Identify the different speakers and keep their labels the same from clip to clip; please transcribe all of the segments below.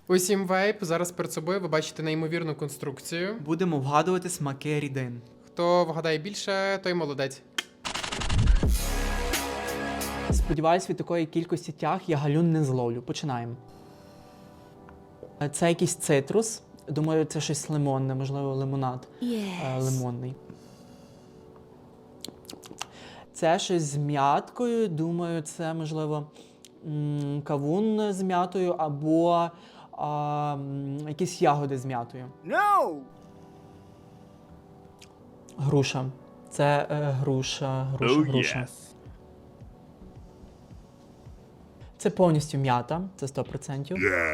Speaker 1: Усім вейп. Зараз перед собою ви бачите неймовірну конструкцію.
Speaker 2: Будемо вгадувати смаки рідин.
Speaker 1: Хто вгадає більше, той молодець.
Speaker 2: Сподіваюсь, від такої кількості тяг я галюн не зловлю. Починаємо. Це якийсь цитрус. Думаю, це щось лимонне, можливо, лимонад. Лимонний. Це щось з м'яткою. Думаю, це, можливо, кавун з м'ятою або якісь ягоди з м'ятою.
Speaker 3: No!
Speaker 2: Груша. Це груша. Це повністю м'ята, це 100%.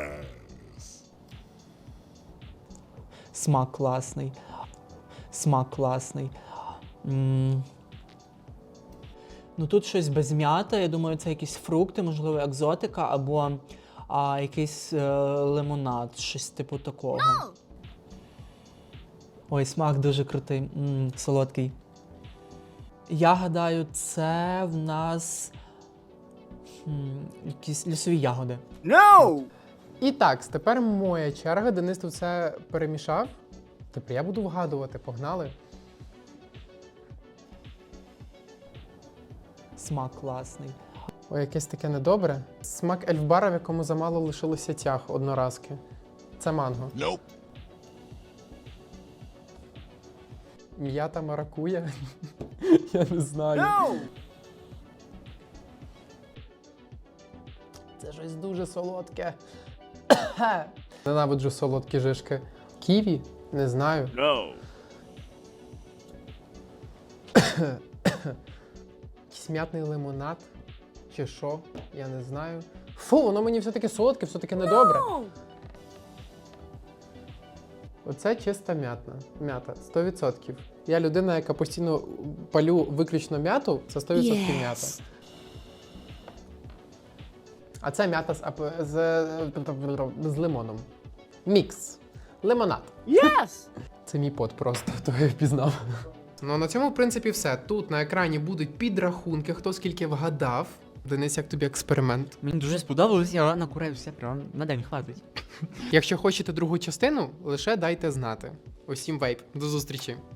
Speaker 2: Смак класний. Ну тут щось без м'ята, я думаю, це якісь фрукти, можливо, екзотика, або якийсь лимонад, щось типу такого. Ой, смак дуже крутий, солодкий. Я гадаю, це в нас якісь лісові ягоди.
Speaker 3: No!
Speaker 1: І так, тепер моя черга. Денис тут все перемішав. Тепер я буду вгадувати. Погнали.
Speaker 2: Смак класний.
Speaker 1: Ой, якесь таке недобре. Смак ельфбара, в якому замало лишилося тяг одноразки. Це манго.
Speaker 3: Nope.
Speaker 1: М'ята маракуя? Я не знаю.
Speaker 3: No!
Speaker 1: Це щось дуже солодке. Ненавиджу солодкі жишки. Ківі? Не знаю.
Speaker 3: No!
Speaker 1: Якийсь м'ятний лимонад? Чи що? Я не знаю. Фу, воно мені все-таки солодке, все-таки недобре. Оце чиста м'ята. 100%. Я людина, яка постійно палю виключно м'яту, це 100% м'ята. А це м'ята з лимоном. Мікс. Лимонад.
Speaker 3: Yes!
Speaker 1: Це мій пот просто, того я впізнав. Ну, на цьому, в принципі, все. Тут на екрані будуть підрахунки, хто скільки вгадав. Денис, як тобі експеримент?
Speaker 4: Мені дуже сподобалось, я накурився, прям на день хватить.
Speaker 1: Якщо хочете другу частину, лише дайте знати. Усім вейп. До зустрічі.